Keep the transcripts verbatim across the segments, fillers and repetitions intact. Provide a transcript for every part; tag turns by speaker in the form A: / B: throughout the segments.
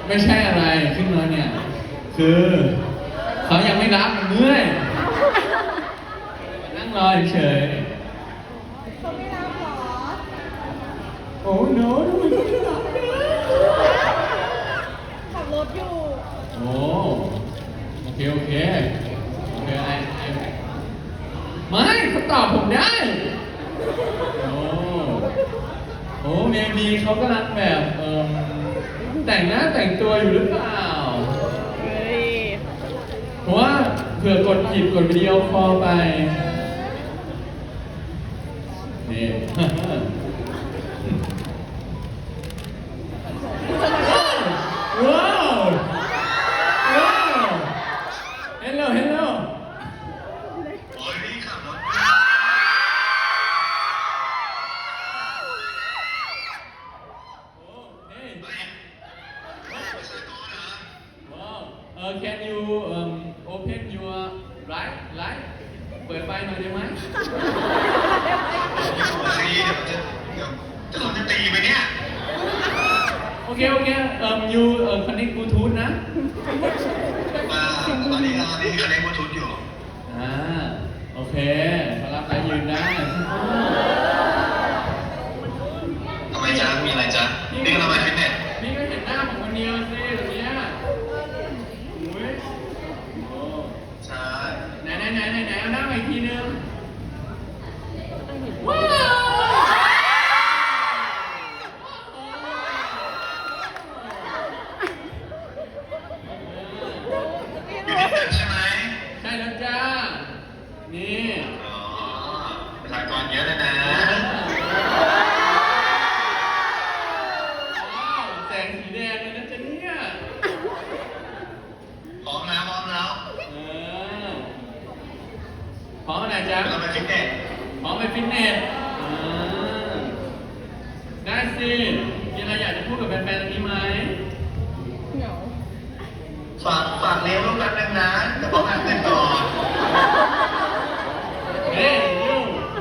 A: ไม่ใช่อะไรขึ้นมาเนี่ยคือเขายังไม่รับมันเมื่อยนั่งรอเฉย
B: เขาไม่รับหรอ
A: โอ้โน้ทำไมเขาไม่รับเนี่ย
B: ขับรถอยู่
A: โอ้โอเคโอเคโอเคไอไอไม่เขาตอบผมได้โอ้โอ้เมบีเขากำลังแบบเออแต่งหน้าแต่งตัวอยู่หรือเปล่า
B: เฮ้ย
A: เพราะว่าเผื่อกดผิดกดวิดีโอคอลไปนี่ว้าวว้าว hello hello
C: โอ้ยนี่ขับรถ
A: เออ can you um, open your light light เปิดไฟหน่อยได้ไหม
C: ตีเดี๋ยวจะเดี๋ยวจะเราจะตีไปเนี่ย
A: โอเคโอเคเอ่อ you เอ่อ connect bluetooth นะ
C: มาตอนนี้ตอนนี้คอนเนคบลูทูธอยู่
A: อ่าโอเคพอรับสายยืนได้
C: ทำไมจ๊ะมีอะไรจ๊ะนี่เราไปฟิตเนส
A: นี่ก็เห็นหน้าผมคนเดียวสิตรงเนี้ยโอ้ยโอ้
C: ใช่
A: ไหนไหนไหนไหนไหนเอาหน้ามาอีกทีนึงว้าว
C: อยู่ที่ตึกใช่ไหม
A: ใช่แล้วจ้านี่
C: อ๋อประชากรเยอะเลยนะ
A: ว้าวแสงสีแดงเลยนะจ๊ะเนี่ย
C: พร้อมแล้วพร้อมแล้ว
A: เออพร้อมอะไรจ๊ะ
C: เราไปฟิตเนส
A: พร้อมไปฟิตเนสอ่าได้สิมีอะไรอยากจะพูดกับแฟนๆตรงนี้ไหม
B: เหงา
C: ฝากฝากเลี้ยงลูกแป๊บนึงนะจะบอกอ่านเสร็จก่อน
A: เฮ้ยยู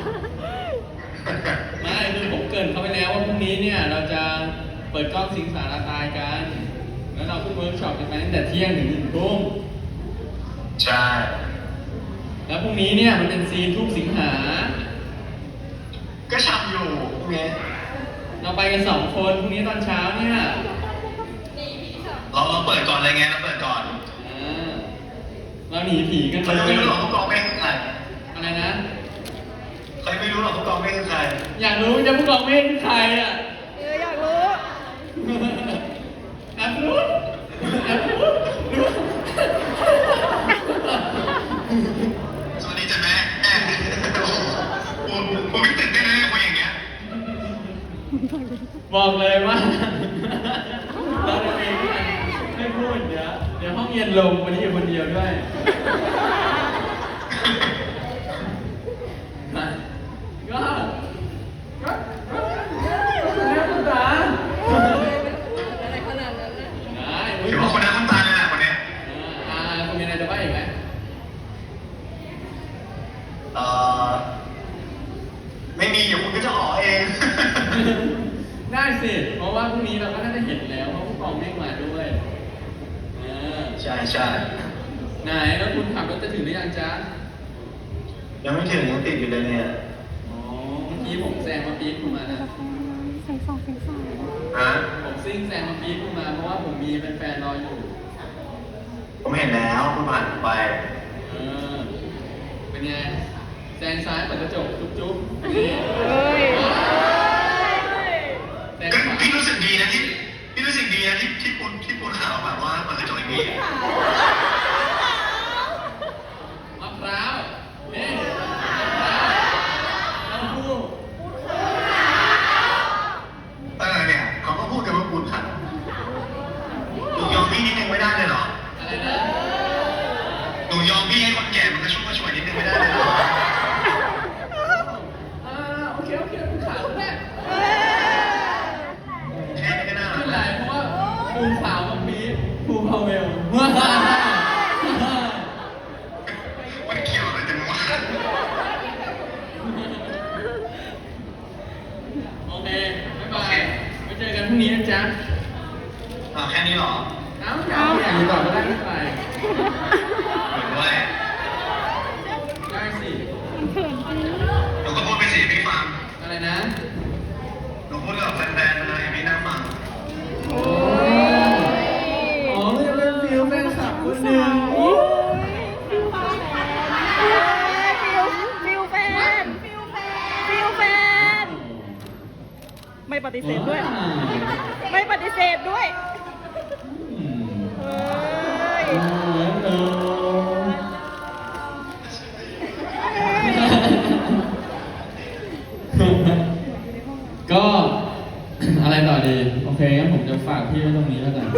A: ไม่คือผมเกริ่นเขาไปแล้วว่าพรุ่งนี้เนี่ยเราจะเปิดกล้องสิงสารตายกัน แล้วเราเพิ่งเวิร์กช็อปกันไปตั้งแต่เที่ยงถึงหนึ่งทุ่ม
C: ใช่
A: แล้วพรุ่งนี้เนี่ยมันเป็นซีนทุกสิงหา
C: ก็ฉ่ำอยู่พรุ่งนี้
A: เราไปกันสองคนพรุ่งนี้ตอนเช้าเนี่ย
C: เราเราเปิดก่อนเลยไงเราเปิดก่อน
A: อ่าเราหนีผีกัน
C: เขาไม่รู้หรอกผู้กองไม่คือใคร
A: อะไรนะ
C: เขาไม่รู้หรอกผู้กองไม่คือใคร
A: อยากรู้จะผู้กองเมฆคือใครอ่ะ
B: เอออยากรู้
A: แอบรู้แอบรู้
C: สวัสดีจ้ะแม่แอบผมผมไม่ตื่นเต้นเลยคนอย่างเงี้ย
A: บอกเลยว่าเราเองไม่พูดเดี๋ยวเดี๋ยวห้องเย็นลงวันนี้อยู่คนเดียวด้วยก็ก็ก็แล้วคุณตา
B: อะไรขนาดนั้นนะ
A: ได้
C: ถือว่าคนนั้นน้ำตาเลยนะคนเนี้ย
A: อ่าคุณมีอะไรจะว่าอีกไหม
C: เอ่อไม่มีเดี๋ยวคุณก็จะอ๋อเอง
A: ได้สิเพราะว่าพรุ่งนี้เราก็น่าจะเห็นแล้วว่าผู้กองเมฆมาด้วย
C: ใช่ใช่
A: ไหนแล้วคุณขับรถจะถึงหรือยังจ๊ะ
C: ยังไม่ถึงยังติดอยู่เลยเนี่ย
A: อ๋อเมื่อกี้ผมแซงมาปี๊ดคุณมานะ
B: ใส่ซองใส่ซอง
C: ฮะ
A: ผมซิ่งแซงมาปี๊ดคุณมาเพราะว่าผมมีแฟนๆรออยู่
C: ผมเห็นแล้วคุณผ่านไป
A: เออเป็นไงแซงซ้ายเปิดกระจกจุ๊บๆนี่
B: เฮ้ย
C: ก็พี่รู้สึกดีนะที่พี่รู้สึกดีนะที่ที่ปูนที่ปูนขาวแบบว่ามันกระจกอย่างนี้
A: มะพร้าวนี่มะพร้าวน้ำผู้
C: เออเนี่ยเขาก็พูดกันว่าปูนขาวหนูยอมพี่นิดนึงไม่ได้เลยเหรอ
A: อะไรนะ
C: หนูยอมพี่ให้คนแก่มันกระชุ่มกระชวยนิดนึงไม่ได้เลยเหรอ
A: อ่าโอเคโอเคผู้ขาวแน่
C: แค่นี้ก็น่ารัก
A: ไม่เป็นไรเพราะว่าปูขาวกับปี๊ดปูพาวเวล
C: มันเกี่ยวอะไรกันวะ
A: โอเคบ๊ายบายไปเจอกันพรุ่งนี้นะจ๊ะ
C: อ่าแค่นี้เหรอ
A: หนึ่ง
B: โอ้ยฟิลแฟนฟิลฟิลแฟนฟิลแฟนฟิลแฟนไม่ปฏิเสธด้วย ไม่ปฏิเสธด้วย
A: อืม
B: เฮ้ย
A: โอ้โหก็ อะไรต่อดี โอเคงั้นผมจะฝากพี่ไว้ตรงนี้แล้วกัน